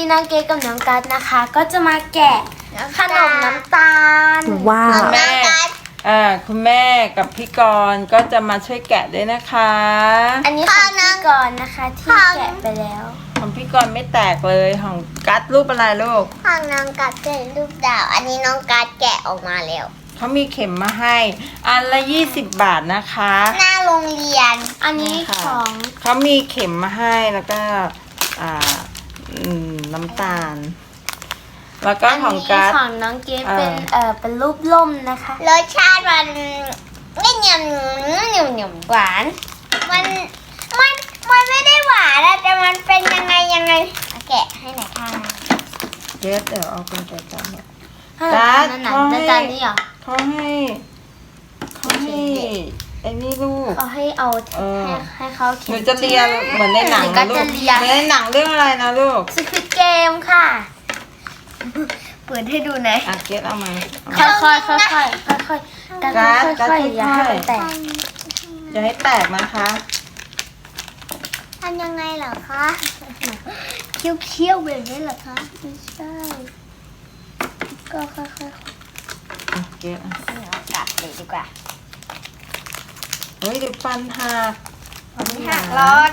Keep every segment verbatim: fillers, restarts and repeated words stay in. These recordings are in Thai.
น้องเกดกับน้องกัดนะคะ ก็จะมาแกะขนมน้ำตาลว้าวแม่อ่าคุณแม่กับพี่กรณ์ก็จะมาช่วยแกะด้วยนะคะอันนี้ของพี่กรณ์นะคะที่แกะไปแล้วของพี่กรณ์ไม่แตกเลยของกัดรูปอะไรลูกของน้องกัดเป็นรูปดาว อันนี้น้องกัดแกะออกมาแล้วเขามีเข็มมาให้อันละยี่สิบบาทนะคะหน้าโรงเรียนอันนี้ค่ะของเขามีเข็มมาให้แล้วก็อ่าอืมน้ำตาล แล้วก็อันของนี้กัดของน้องเกดเป็นเออเอ่อเป็นรูปล่มนะคะรสชาติมันไม่เหนียวเหนียวเหนียวหวาน มันมันมันไม่ได้หวานอะแต่มันเป็นยังไงยังไงเอาแกะให้หน่อยค่ะเดี๋ยวเดี๋ยวเอาเป็นใจจับเนี่ยขนกัมดนั่นน่ะเขาให้น้ำตาลนี่เหรอเขาให้เขาให้ไอ้นี่ลูกเขาให้เอาเออให้ให้เขาหเขียนูนจะเรียนเหมือนในหนังหนูก็นะลูจะกเรียนเหมือนในหนังเรื่องอะไรนะลูกสควิดเกมค่ะเปิดให้ดูหน่อยอ่ะเกตเอามาเอาค่มาอยๆค่อยๆค่อยๆค่อยๆกันกัดกัดค่อยๆอย่าให้ค่อยๆมันแตกอย่าให้แตกนะคะทำยังไงเหรอคะเคี้ยวเคี้ยวๆแบบนี้เหรอคะไม่ใช่ก็ค่อยๆอ่ะเกตอ่ะเอากลับเลยดีกว่าเฮ้ยเดี๋ยวฟันหักไม่หักรถ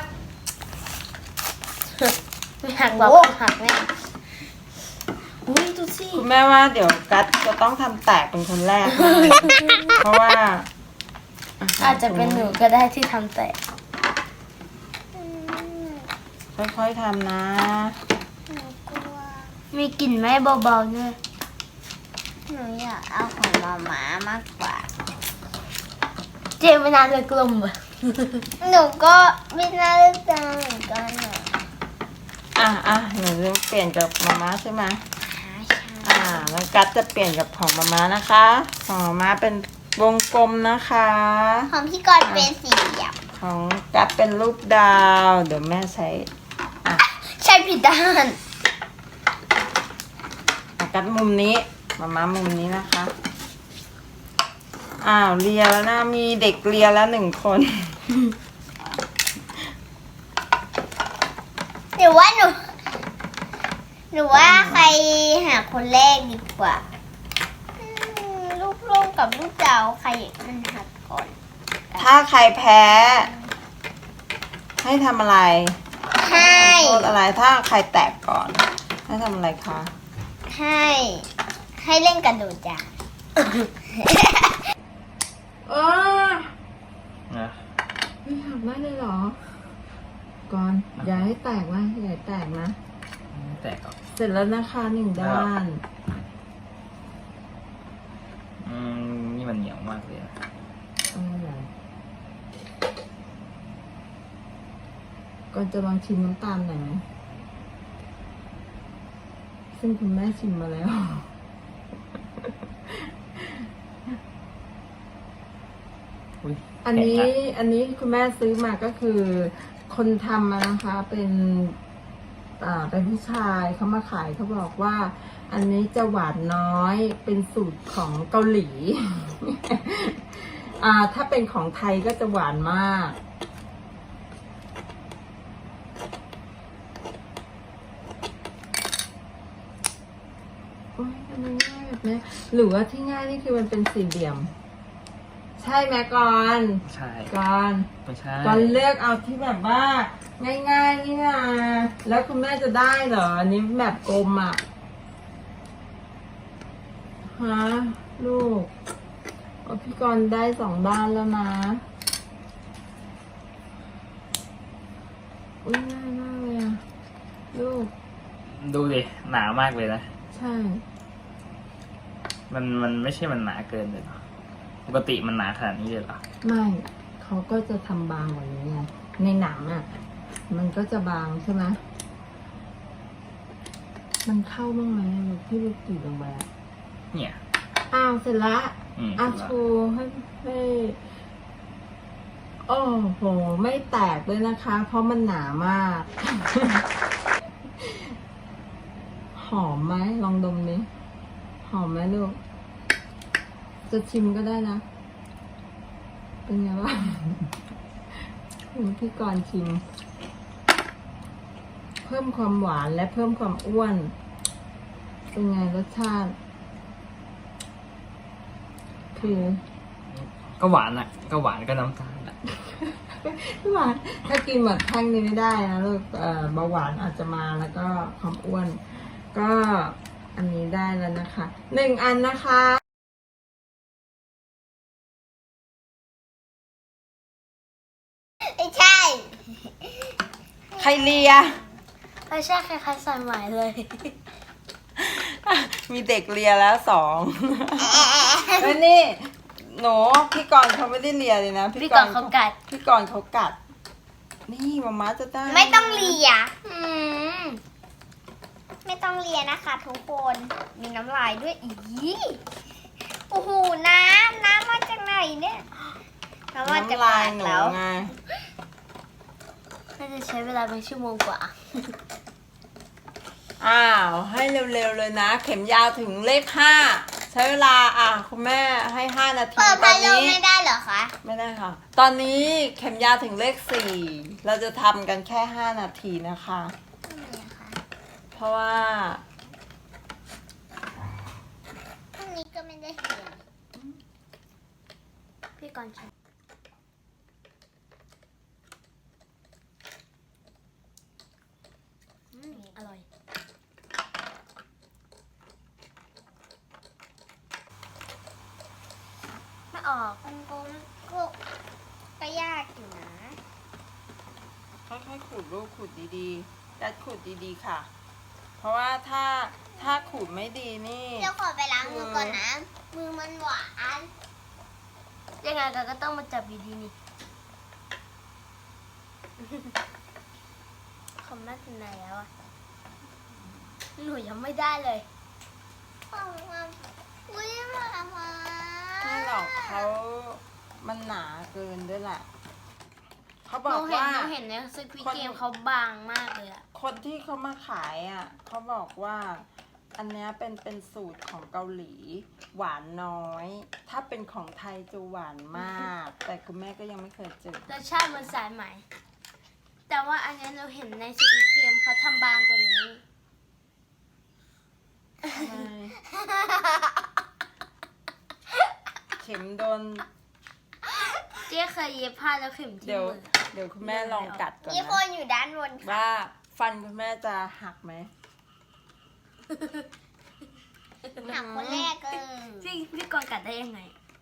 ไม่หักหรอกโอ้หักแน่อุ้ยดูสิคุณแม่ว่าเดี๋ยวกัดจะต้องทำแตกเป็นคนแรกนะ เพราะว่าอาจจะเป็นหนูก็ได้ที่ทำแตกค่อยๆทำนะหนูกลัวมีกลิ่นไหมเบาๆด้วยหนูอยากเอาของมาม่ามากกว่าเจมไม่นานเลยกลมอ่ะหนูก็ไม่น่าเลือกจังเหมือนกันอ่ะอ่ะอ่ะหนูจะเปลี่ยนกับมาม่าใช่ไหมหาอ่าแล้วกัดจะเปลี่ยนกับของมาม่านะคะ ของมาม่าเป็นวงกลมนะคะของพี่กรณ์เป็นสี่เหลี่ยมของกัดเป็นรูปดาว เดี๋ยวแม่ใช้อ่ะใช่ผิดด้านอ่ะกัดมุมนี้มาม่ามุมนี้นะคะ อ้าวเรียแล้วนะมีเด็กเรียแล้วหนึ่งคนหรือว่าหนูหรือว่าใครหาคนแรกดีกว่าอืมลูกโล่งกับลูกดาวใครมันหักก่อนถ้าใครแพ้ ให้ทำอะไรให้โทษอะไรถ้าใครแตกก่อน ให้ทำอะไรคะให้ให้เล่นกระโดดจ้ะเออนะไม่หักได้เลยเหรอ ก่อนอย่าให้แตกนะอย่าให้แตกนะไม่แตกหรอกเสร็จแล้วนะคะหนึ่งด้านอืมนี่มันเหนียวมากเลยอะเอาอะไรก่อนจะลองชิมน้ำตาลหน่อยไหมซึ่งคุณแม่ชิมมาแล้วอุ้ยอันนี้แตกอันนี้คุณแม่ซื้อมาก็คือ คนทำมานะคะเป็นอ่าเป็นผู้ชายเขามาขายเขาบอกว่า อันนี้จะหวานน้อยเป็นสูตรของเกาหลี อ่าถ้าเป็นของไทยก็จะหวานมากโอ้ยทำไมง่ายแบบนี้หรือว่าที่ง่ายนี่คือมันเป็นสี่เหลี่ยม ใช่ไหมก่อนไม่ใช่ก่อนไม่ใช่ก่อนเลือกเอาที่แบบว่า ง่ายๆนี่นะแล้วคุณแม่จะได้เหรออันนี้แบบกลมอ่ะฮะลูกเอาพี่กรณ์ได้สองด้านแล้วนะอุ้ยง่ายมากเลยอ่ะลูกดูดิหนามากเลยนะใช่มันมันไม่ใช่มันหนาเกินเลยเหรอปกติมันหนาขนาดนี้เลยเหรอไม่เขาก็จะทำบางกว่านี้ไงในหนังอ่ะ มันก็จะบางใช่ไหมมันเข้าบ้างไหมลูกที่ลูกกรีดลงไปอะเนี่ยอ้าวเสร็จละอืมอ่ะเสร็จโชละว์ให้ให้โอ้โห ไม่แตกเลยนะคะ เพราะมันหนามาก หอมไหมลองดมดิหอมไหมลูก จะชิมก็ได้นะ เป็นไงบ้าง พี่กรณ์ชิมเพิ่มความหวานและเพิ่มความอ้วนเป็นไงรสชาติ คือก็หวานอ่ะ ก็หวานก็น้ำตาลอ่ะหวานถ้ากินหมดแท่งนี้ไม่ได้นะลูกเอ่อเบาหวานอาจจะมาแล้วก็ความอ้วน ก็อันนี้ได้แล้วนะคะหนึ่งอันนะคะไม่ใช่ใครเลียไม่ใช่คล้ายๆสายไหมเลยมีเด็กเลียแล้วสองแล้วนี่ หนูพี่กรณ์เขาไม่ได้เลียเลยนะพี่กรณ์เขากัดพี่กรณ์เขากัด นี่มาม่าจะได้ไม่ต้องเลียอืมไม่ต้องเลียนะคะทุกคน มีน้ำลายด้วยอีโอ้โห น้ำ น้ำมาจากไหนเนี่ยน้ำมาจากน้ำลาปาย กหนูแล้วไงน่าจะใช้เวลาเป็นชั่วโมงกว่าอ้าว ให้เร็วๆเลยนะ เข็มยาวถึงเลขห้าใช้เวลาอ่ะคุณแม่ให้ห้านาทีเปิดตอพัดนลมนี้ไม่ได้เหรอคะไม่ได้ค่ะ ตอนนี้เข็มยาวถึงเลขสี่เราจะทำกันแค่ห้านาทีนะคะทำไมอะคะเพราะว่าพรุ่งนี้ก็ไม่ได้เรียนพี่กรณ์ใช้อืมอร่อย ไม่ออกมันก็ก็ก็ยากอยู่นะค่อยๆขูดลูกขูดดีๆดัดขูดดีๆค่ะ เพราะว่าถ้าถ้าขูดไม่ดีนี่เดี๋ยวขอไปล้างมือก่อนนะ มือมันหวานยังไงก็ต้องมาจับดีๆนี่ คอมแม่ถึงไหนแล้วอ่ะ หนูยังไม่ได้เลยของมาอุ้ยมามาไม่หรอกเขามันหนาเกินด้วยแหละเขาหบอนูกเห็นว่าหนูเห็นในสควิตคนเกมเขาบางมากเลยอ่ะคนที่เขามาขายอ่ะเขาบอกว่า อันเนี้ยเป็นเป็นสูตรของเกาหลี หวานน้อย ถ้าเป็นของไทยจะหวานมาก แต่คุณแม่ก็ยังไม่เคยเจอรสชาติมันสายไหม แต่ว่าอันนี้เราเห็นในสควิตเกมเขาทำบางกว่านี้ทำไมเข็มโดนเจ๊เคยเย็บผ้าแล้วเข็มที่เดี๋ยวมือเดี๋ยวคุณแม่ลองกัดก่อนมีคนะนอยู่ด้านบนค่ะว่าฟันคุณแม่จะหักไหมหักคนแรกเลยพี่พี่กรณ์กัดได้ยังไง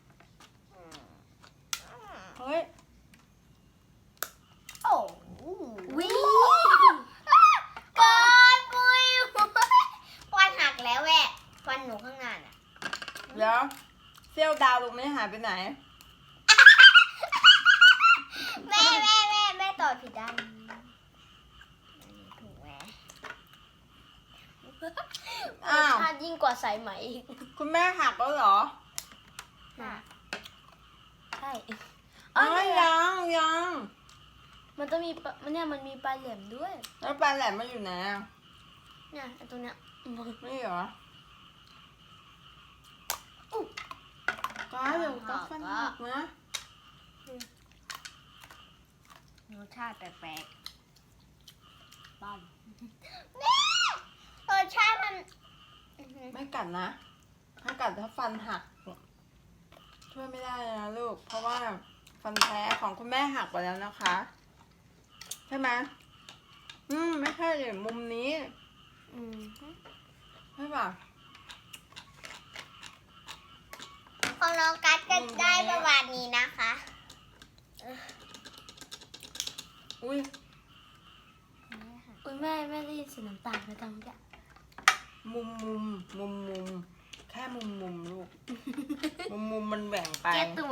เฮ้ยโอ้โหวิเกินปุยฟันหักแล้วแหวะฟันหนูข้างหน้าน่ะเดี๋ยวเซี่ยวดาวตรงนี้หายไปไหนแม่แม่แม่แม่ต่อผิดด้านถูกไหมรอ้าสวชาติยิ่งกว่าสายไหมอีกคุณแม่หักแล้วเหรอน่ะใช่อ๋อ๋ออเนี่ยยังยังมันต้องมีปะมันเนี่ยมันมีปลายแหลมด้วยแล้วปลาแหลมมาอยู่ไหนอะเนี่ยไอ้ตัวเนี้ยนี่เหรอก้าเดี๋ยวก้าฟันหักนะรสชาติแปลกๆบ้านแม่รสชาติมันไม่กัดนะ ถ้ากัดถ้าฟันหัก ช่วยไม่ได้เลยนะลูก เพราะว่าฟันแท้ของคุณแม่หักไปแล้วนะคะ ใช่ไหมอืมไม่ใช่เลยมุมนี้อืมใช่ป่ะของน้องกัดก็ได้ประมาณนี้นะคะอุ้ยอุ้ยแม่แม่ได้ยินเสียงน้ำตาลไหมตอนเนี้ยมุมมุมมุมมุมแค่มุมมุมลูก มุมมุมมันแหว่งไปแก้ตัว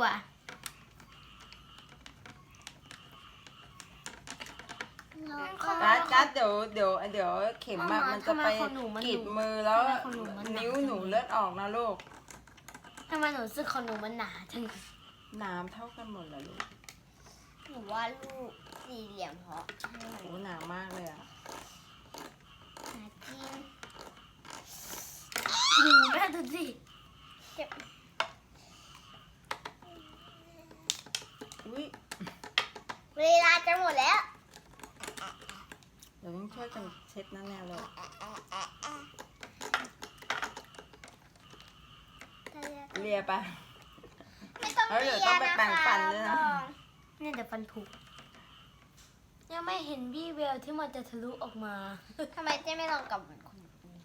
กัดกัดเดี๋ยวเดี๋ยวเดี๋ยวเข็มอะมันจะไปกรีดมือแล้ว นิ้วหนูเลือดออกนะลูกทำไมหนูรู้สึกของหนูมันหนาจังน้ำเท่ากันหมดเลยลูกหนูว่าลูกสี่เหลี่ยมเพราะโอ้หนามากเลยอ่ะหาจริงดูแม่ดูสิอุ้ยเวลาจะหมดแล้วเดี๋ยวต้องช่วยกันเช็ดนั่นแน่เลยเลียไปไม่ต้องเอ้ยเลีเดี๋ยวย ต้องไปนะแปรงคะฟันด้วยนะเนี่ยเดี๋ยวฟันผุยังไม่เห็นวี่แววที่มันจะทะลุออกมาทำไมเจ๊ไม่ลองกับเหมือนคนอื่น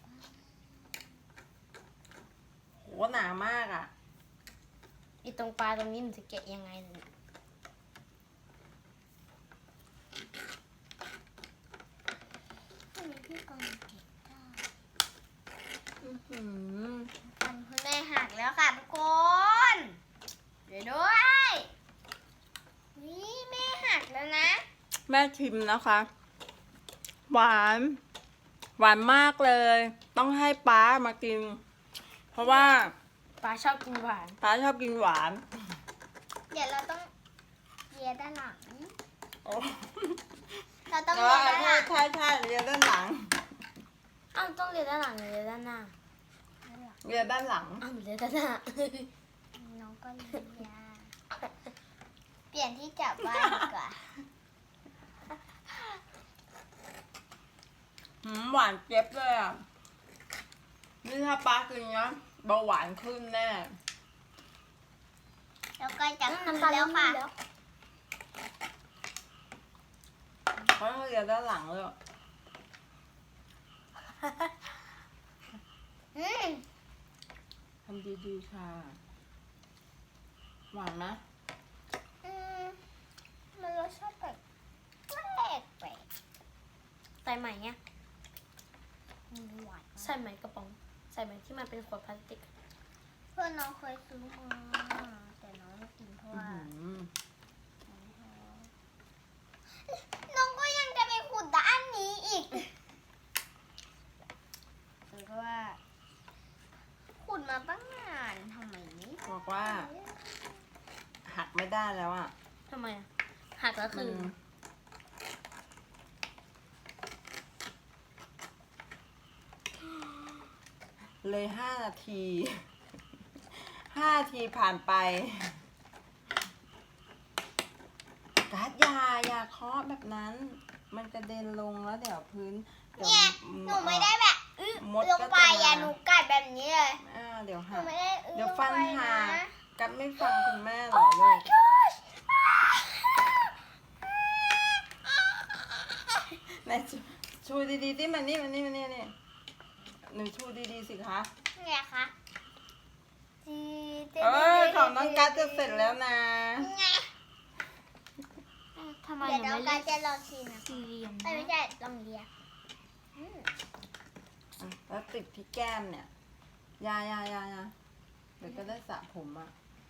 โหหนามากอ่ะอีตรงปลาตรงนี้มันจะแกะยังไงเนี่ยทำไมพี่กองเก็บได้อื้อหือฟันคุณแม่หักแล้วค่ะทุกคน เดี๋ยวด้วย นี่แม่หักแล้วนะแม่ชิมนะคะ หวาน หวานมากเลย ต้องให้ป้ามากิน เพราะว่าปลาชอบกินหวานป้าชอบกินหวานเดี๋ยวเราต้องเลียด้านหลังโอ้เราต้องเอเลีอยด้านหใช่ลังใช่ใช่เรียนด้านหลังอ้าวต้องเรียนด้านหลังหรือเรียนด้านหน้าเรียนด้านหลังอ้าวหนูเรียนด้านหน้าน้องก็เลียเปลี่ยนที่จับบ้านดีกว่าหืมหวานเจ็บเลยอ่ะ นี่ถ้าป้ากินนะเบาหวานขึ้นแน่แล้วก็จะขึ้นน้ำตาลแล้วค่ะแล้วเพราะเรียนด้านหลังเลยอืมทำดีๆค่ะ หวานไหมอืมมันรสชาติแปลกแปลกแปลกใส่ใหม่เงี้ยอืมหวานใส่ใหม่กระป๋อง ใส่ใหม่ที่มันเป็นขวดพลาสติกเพื่อนน้องเคยซื้อมาแต่น้องไม่กินเพราะอื้อว่าหือน้องก็ยังจะไปขุดด้านนี้อีกหรือว่า ขุดมาตั้งนานทำไมไม่บอกว่า หักไม่ได้แล้วอ่ะทำไมอ่ะ หักแล้วคือมันเลยห้านาที ห้านาทีผ่านไปการ์ดยาอย่าเคาะแบบนั้น มันกระเด็นลงแล้วเดี๋ยวพื้นดี๋วเนี่ยหนูไม่ได้แบบอื้อมดลงก็ไปจะอ่ะมาหนูกัดแบบนี้เลยอ่าเดี๋ยวหนูหักไม่ได้อื้อเดี๋ยวลงฟันไปหักนะกันไม่ฟังคุณแม่เหรอ Oh ลู my ก gosh ไหนชูชูดีๆที่มันนี่มันนี่มันนี่นี่หนูชูดีๆสิคะไงคะจีเออของน้องกัสจะเสร็จแล้วนะไงทำไมเดี๋ยวหนูน้องไม่กัเลืสอกจะลองชิมนะสี่เหลี่ยมเอ้ยไม่ใช่ลองเลียอืมอ่ะแล้วติดที่แก้มเนี่ย ยายายายาเดี๋ยวก็ได้สระผมอ่ะ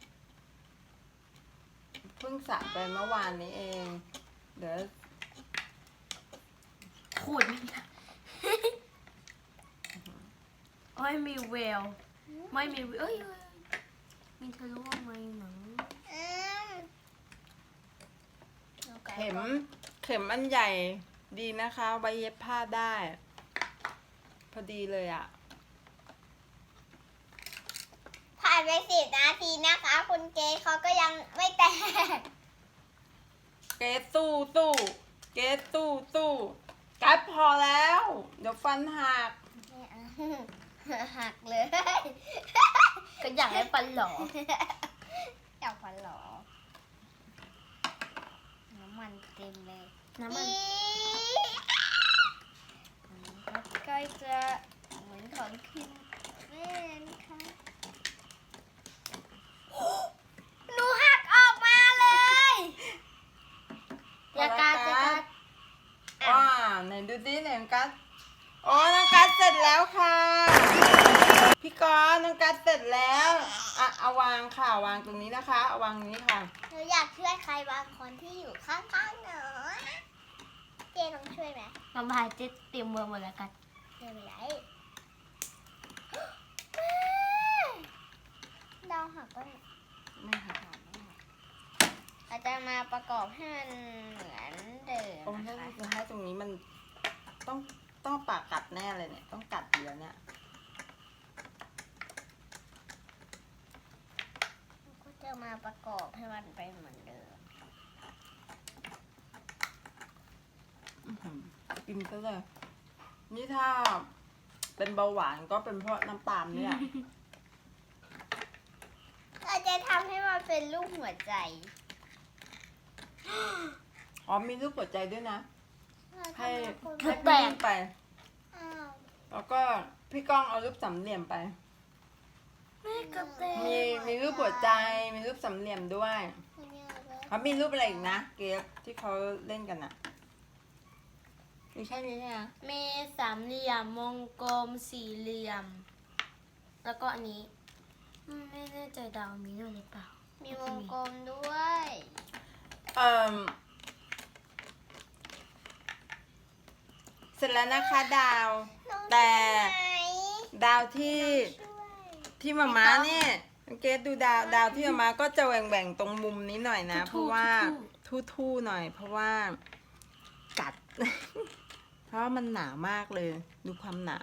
เพิ่งสระไปเมื่อวานนี้เอง เดี๋ยวขูดไม่ได้ไม่มีแววไม่มีเอ้ยเอ้ยมีทะลุออกมาหนังอืมน้องกัสเข็มก็เข็มอันใหญ่ดีนะคะไว้เย็บผ้าได้ พอดีเลยอ่ะผ่านไปสิบนาทีนะคะ คุณเกย์เขาก็ยังไม่แตกเกสสู้สู้เกสสู้สู้กัดพอแล้ว เดี๋ยวฟันหักไม่เอาหักเลยก็อยากให้ฟันหล่ออยากฟันหรอ น้ำมันเต็มเลยน้ำมันก็จะเหมือนของคิมแม่นะคะ หนูหักออกมาเลยอย่าการอย่าการว้าไหนดูดิไหนน้องกัสโอ้น้องกัสเสร็จแล้วค่ะ พี่กรณ์น้องกัสเสร็จแล้วอ่ะเอาวางค่ะวางตรงนี้นะคะเอาวางตรงนี้ค่ะหนูอยากช่วยใครบางคนที่อยู่ข้างๆหนูเจน้องช่วยไหมน้ำพายเจ็ดเตรียมมือหมดแล้วกันไม่เป็นไรดาวหักก็ไม่หักอาจจะมาประกอบให้มันเหมือนเดิมโอ้ยนะถ้าคะจะให้ตรงนี้มันต้องต้องปากกัดแน่เลยเนี่ยต้องกัดเดียวเนี่ยก็จะมาประกอบให้มันเป็นเหมือนเดิมอื้อหือกิกินซะเลยนี่ถ้าเป็นเบาหวานก็เป็นเพราะน้ำตาลเนี่ยเราจะทำให้มันเป็นรูปหัวใจอ๋อมีรูปหัวใจด้วยนะ ให้ให้ให้พี่นิ่มไปอ้าวแล้วก็พี่ก้องเอารูปสามเหลี่ยมไปแม่กระเตงมีมีรูปหัวใจ มีรูปสามเหลี่ยมด้วยเขามีรูปอะไรอีกนะ เกฟที่เขาเล่นกันอะมีแค่นี้เนี่ยมีสามเหลี่ยมวงกลมสี่เหลี่ยม แล้วก็อันนี้อืมไม่แน่ใจดาวมีด้วยหรือเปล่ามีวงกลมด้วยเอ่อเสร็จแล้วนะคะดาว แต่ ดาวที่ที่มาม้าเนี่ยสังเกตดูดาวดาวที่มาม้าก็จะแหว่งๆตรงมุมนี้หน่อยนะ เพราะว่าทู่ๆหน่อย เพราะว่ากัด เพราะว่ามันหนามากเลย ดูความหนา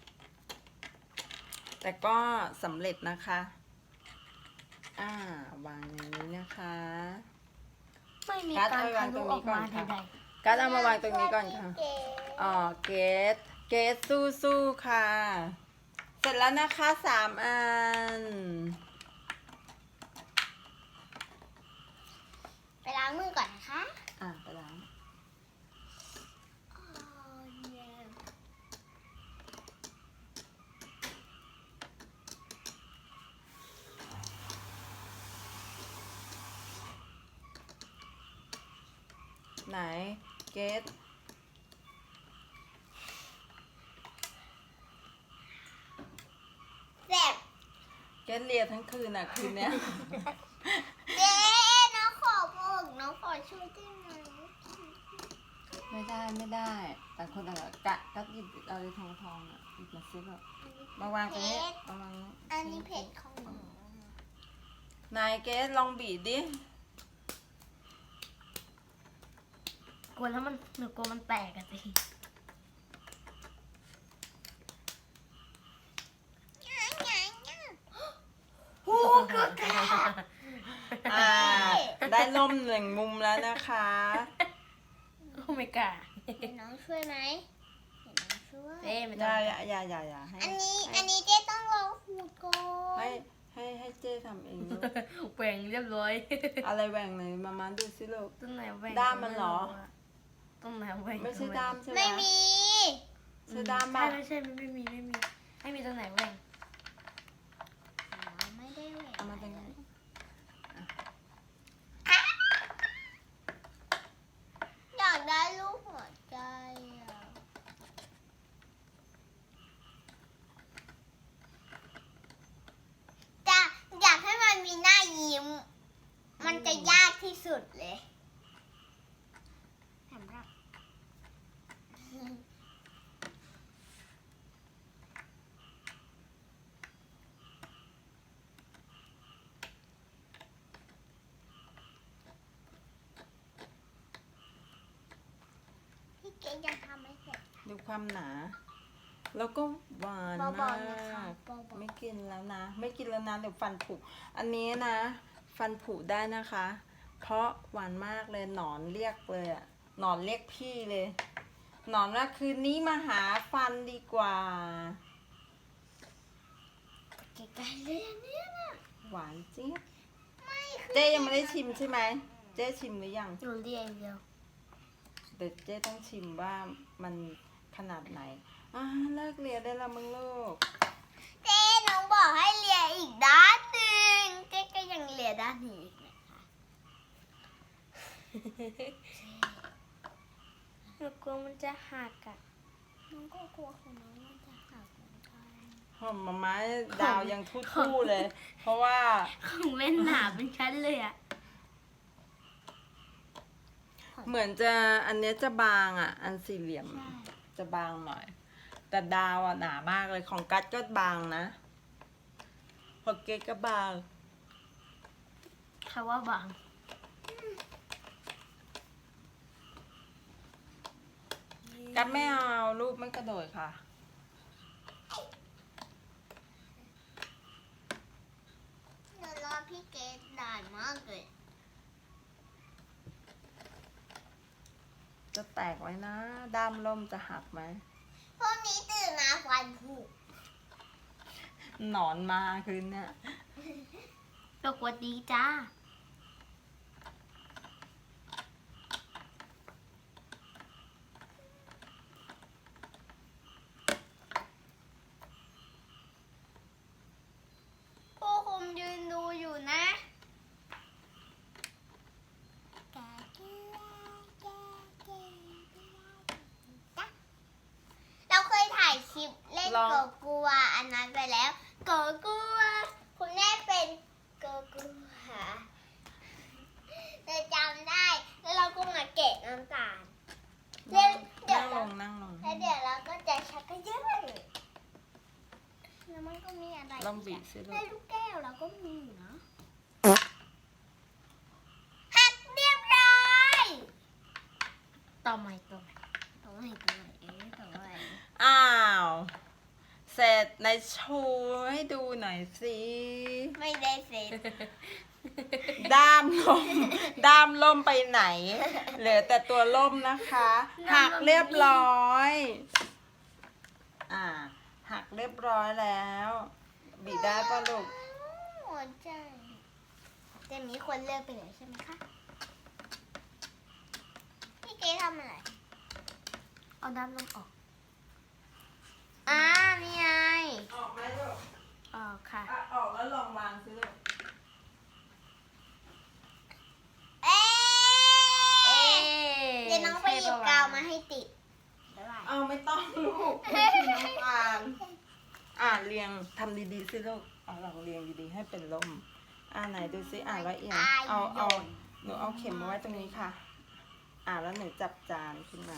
แต่ก็สำเร็จนะคะ อ่าวางอย่างนี้นะคะไม่มีกัดการเอาไว้วาทะงตลุรงอนี้อกก่อมานค่ะใดกัดเอามาวางตรงนี้ก่อนค่ะ อ๋อ เกสเกสสู้สู้ๆค่ะ เสร็จแล้วนะคะสามอันไปล้างมือก่อนนะคะอ่ะไปล้าง ไหน เกสแซ่บเกสเลียทั้งคืนอ่ะ คืนเนี้ยเจ๊น้องขอบอกน้องขอช่วยได้ไหมไม่ได้ไม่ได้ แต่คนต่างกะก็หยิบเอาทองทองอ่ะหยิบมาซิแบบมาวางตรงนี้มาวางอันนี้เผ็ดของหนูนายเกสลองบีบดิๆกลัวแล้วมันหนูกลัวมันแตกอะสิโอ้เกือบแตกอ่า ได้ล่มหนึ่งมุมแล้วนะคะโอ้ไม่กล้าเดี๋ยวน้องช่วยไหมเดี๋ยวน้องช่วยเจ๊ไม่อต้อย่างอย่าอย่าอย่าอย่าให้อันนี้อันนี้เจ๊ต้องลองขูดก่อนให้ให้ให้เจ้ทำเองลูกแหว่งเรียบร้อยอะไรแหว่งเลยมามาดูสิลูกตรงไหนแหว่งด้ามมันเหรอตรงไหนแหว่งไม่ใช่ด้ามใช่ไหมไม่มีใช่ด้ามใช่ป่ะไม่ใช่ไม่มีไม่มีไม่มีตรงไหนแหว่งไม่ได้แหวเอามาตรงนี้อยากได้รูปหัวใจอะจะอยากให้มันมีหน้ายิ้ม มันจะยากที่สุดเลยสำหรับ พี่เกดยังทำไม่เสร็จดูความหนา แล้วก็หวานเบามากๆนะคะเบาๆไม่กินแล้วนะ ไม่กินแล้วนะเดี๋ยวฟันผุ อันนี้นะ ฟันผุได้นะคะ เพราะหวานมากเลยหนอนเรียกเลยอะหนอนเรียกพี่เลย หนอนว่าคืนนี้มาหาฟันดีกว่าเกดได้เลยอันเนี่ยนะหวานเจี๊ยบไม่คือเจ๊ยังไม่ได้ชิมใช่ไหม เจ๊ชิมหรือยังหนูเรียนเดียวเดี๋ยวเจ๊ต้องชิมว่ามันขนาดไหน อ่าเลิกเรียนได้แล้วมึงลูกเจ๊น้องบอกให้เลียอีกด้านหนึ่งเจ๊ก็ยังเลียด้านนี้อีกนะคะหนูกลัวมันจะหักอะน้องก็กลัวของน้องมันจะหักเหมือนกันหอมมาม้าดาวยังทู่ๆเลย เพราะว่าของเล่นหนาเป็นชั้นเลยอะเหมือนจะอันเนี้ยจะบางอ่ะ อันสี่เหลี่ยมจะบางหน่อย แต่ดาวอ่ะหนามากเลยของกัดก็บางนะของเกดก็บางเขาว่าบางกัดไม่เอารูปไม่กระโดดค่ะหนูรอพี่เกดนานมากเลยจะแตกไว้นะ ด้ามล่มจะหักไหมพรุ่งนี้ตื่นมาฟันผุหนอนมาคืนเนี่ยสวัสดีจ้าผู้คุมยืนดูอยู่นะเราเคยถ่ายคลิปเล่นลองโกกัวอันนั้นไปแล้วโกกัวคุณแม่เป็นโกกัวเราจำได้แล้วเราก็มาเกะน้ำตาลเดี๋ยวเดี๋ยนั่วงลงนั่งลงแล้วเดี๋ยวเราก็จะชักกระเยอะแล้วมันก็มีอะไรลองบีบสิลูในกลูกแก้วเราก็มีอยู่นะหักเรียบร้อยต่อใหม่ต่อใหม่ตัวไหนตัวไหนเอ๊ะตัวไหนอ้าว เสร็จในโชว์ให้ดูหน่อยสิไม่ได้เสร็จด้ามล่ม ด้ามล่มไปไหน เหลือแต่ตัวล่มนะคะ หักเรียบร้อย อ่า หักเรียบร้อยแล้ว บีบได้ปะลูกหัวใจจะมีคนเลือกไปแล้วใช่ไหมคะพี่เก๋ทำอะไรเอาด้านลงออกอ่านี่ไงออกไหมลูกออกค่ะอ่ะออกแล้วลองวางสิลูกเอ๊ะเอ๊ะเดี๋ยวน้องไปหยิบกาวมาให้ติดบ๊ายบายเอาไม่ต้องลูกไม่ใช่น้องอ่าน อ่านเรียงทำดีๆสิลูก เอาลองเรียงดีๆให้เป็นล่ม อ่าไหนดูสิอ่านละเอียดเอาเอาหนูเอาเข็มมาไว้ตรงนี้ค่ะ อ่านแล้วหนูจับจานขึ้นมา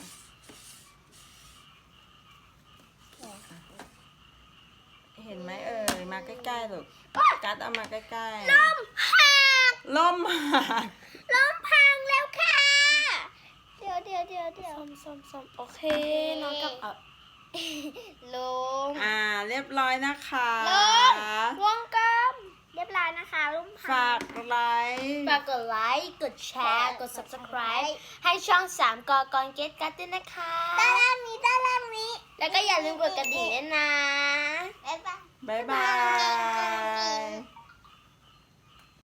เห็นไหมเอ่ย มาใกล้ๆลูกกัดเอามาใกล้ๆ ล่มหัก ล่มหักล้มพังแล้วค่ะ เดี๋ยวเดี๋ยวเดี๋ยวเดี๋ยวส้มส้มส้มโอเค น้องกับเอาลงอ่า เรียบร้อยนะคะลงวงกลมเรียบร้อยนะคะลุงพัฝากไลค์ฝากกดไลค์ กดแชร์ กด subscribe ให้ช่องสามกอกรเกตกัดด้วยนะคะด้านล่างนี้ด้านล่างนี้แล้วก็อย่าลืมกดกระดิ่งด้วยนะบ๊ายบายบ๊ายบาย